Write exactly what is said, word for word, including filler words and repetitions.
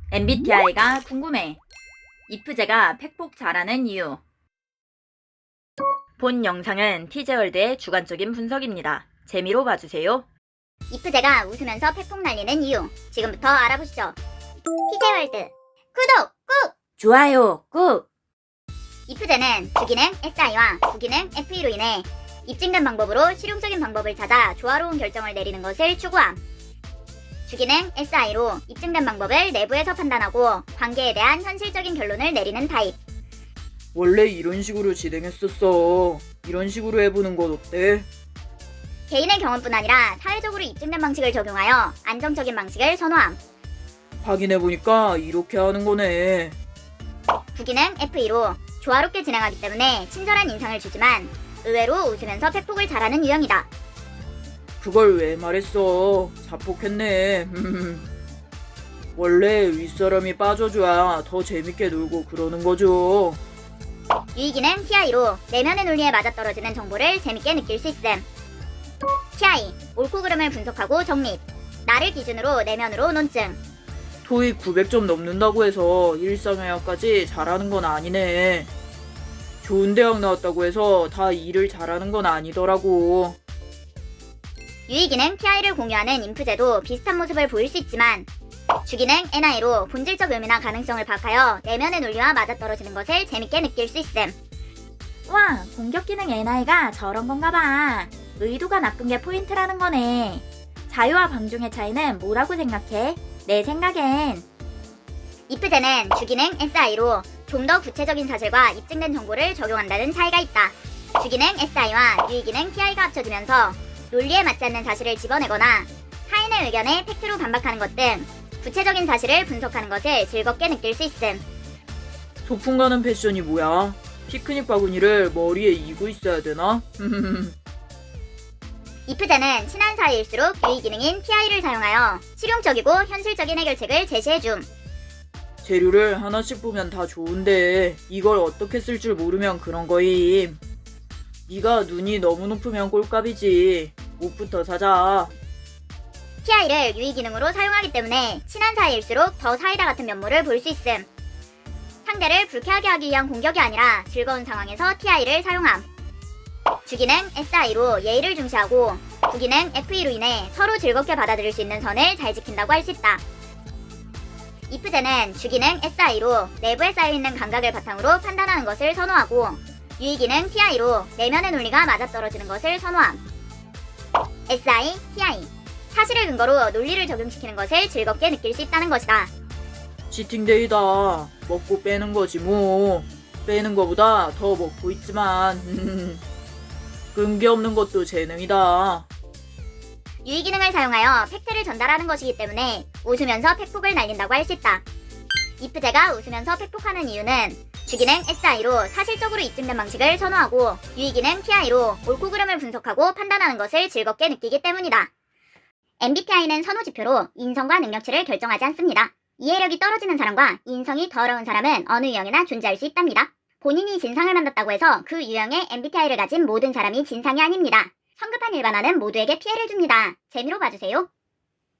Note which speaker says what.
Speaker 1: 엠비티아이가 궁금해. 이프제가 팩폭 잘하는 이유. 본 영상은 티제월드의 주관적인 분석입니다. 재미로 봐주세요.
Speaker 2: 이프제가 웃으면서 팩폭 날리는 이유, 지금부터 알아보시죠. 티제월드 구독 꾹!
Speaker 1: 좋아요 꾹!
Speaker 2: 이프제는 주기능 에스아이와 부기능 에프이로 인해 입증된 방법으로 실용적인 방법을 찾아 조화로운 결정을 내리는 것을 추구함. 주기능 에스아이로 입증된 방법을 내부에서 판단하고 관계에 대한 현실적인 결론을 내리는 타입.
Speaker 3: 원래 이런 식으로 진행했었어. 이런 식으로 해보는 건 어때?
Speaker 2: 개인의 경험뿐 아니라 사회적으로 입증된 방식을 적용하여 안정적인 방식을 선호함.
Speaker 3: 확인해보니까 이렇게 하는 거네.
Speaker 2: 부기능 에프이로 조화롭게 진행하기 때문에 친절한 인상을 주지만 의외로 웃으면서 팩폭을 잘하는 유형이다.
Speaker 3: 그걸 왜 말했어? 자폭했네. 원래 윗사람이 빠져줘야 더 재밌게 놀고 그러는 거죠.
Speaker 2: 유의기능 티아이로 내면의 논리에 맞아떨어지는 정보를 재밌게 느낄 수 있음. 티아이, 옳고 그름을 분석하고 정립. 나를 기준으로 내면으로 논증.
Speaker 3: 토익 구백 점 넘는다고 해서 일상회화까지 잘하는 건 아니네. 좋은 대학 나왔다고 해서 다 일을 잘하는 건 아니더라고.
Speaker 2: 유의기능 티아이를 공유하는 인프제도 비슷한 모습을 보일 수 있지만 주기능 엔아이로 본질적 의미나 가능성을 파악하여 내면의 논리와 맞아떨어지는 것을 재밌게 느낄 수 있음.
Speaker 1: 와, 공격기능 엔아이가 저런 건가 봐. 의도가 나쁜 게 포인트라는 거네. 자유와 방종의 차이는 뭐라고 생각해? 내 생각엔
Speaker 2: 이프제는 주기능 에스아이로 좀 더 구체적인 사실과 입증된 정보를 적용한다는 차이가 있다. 주기능 에스아이와 유의기능 티아이가 합쳐지면서 논리에 맞지 않는 사실을 집어내거나 타인의 의견에 팩트로 반박하는 것 등 구체적인 사실을 분석하는 것을 즐겁게 느낄 수 있음.
Speaker 3: 소풍 가는 패션이 뭐야? 피크닉 바구니를 머리에 이고 있어야 되나?
Speaker 2: 이프제는 친한 사이일수록 유의기능인 티아이를 사용하여 실용적이고 현실적인 해결책을 제시해줌.
Speaker 3: 재료를 하나씩 보면 다 좋은데 이걸 어떻게 쓸 줄 모르면 그런 거임. 네가 눈이 너무 높으면 꼴값이지. 옷부터 사자.
Speaker 2: 티아이를 유의기능으로 사용하기 때문에 친한 사이일수록 더 사이다 같은 면모를 볼 수 있음. 상대를 불쾌하게 하기 위한 공격이 아니라 즐거운 상황에서 티아이를 사용함. 주기능 에스아이로 예의를 중시하고 부기능 에프이로 인해 서로 즐겁게 받아들일 수 있는 선을 잘 지킨다고 할 수 있다. 이프제는 주기능 에스아이로 내부에 쌓여있는 감각을 바탕으로 판단하는 것을 선호하고 유의기능 티아이로 내면의 논리가 맞아떨어지는 것을 선호함. 에스아이, 티아이 사실을 근거로 논리를 적용시키는 것을 즐겁게 느낄 수 있다는 것이다.
Speaker 3: 치팅데이다. 먹고 빼는 거지 뭐. 빼는 거보다 더 먹고 있지만 끈기 없는 것도 재능이다.
Speaker 2: 유의기능을 사용하여 팩트를 전달하는 것이기 때문에 웃으면서 팩폭을 날린다고 할 수 있다. 이프제가 웃으면서 팩폭하는 이유는 주기능 에스아이로 사실적으로 입증된 방식을 선호하고 유의기능 티아이로 옳고 그름을 분석하고 판단하는 것을 즐겁게 느끼기 때문이다. 엠비티아이는 선호지표로 인성과 능력치를 결정하지 않습니다. 이해력이 떨어지는 사람과 인성이 더러운 사람은 어느 유형이나 존재할 수 있답니다. 본인이 진상을 만났다고 해서 그 유형의 엠비티아이를 가진 모든 사람이 진상이 아닙니다. 성급한 일반화는 모두에게 피해를 줍니다. 재미로 봐주세요.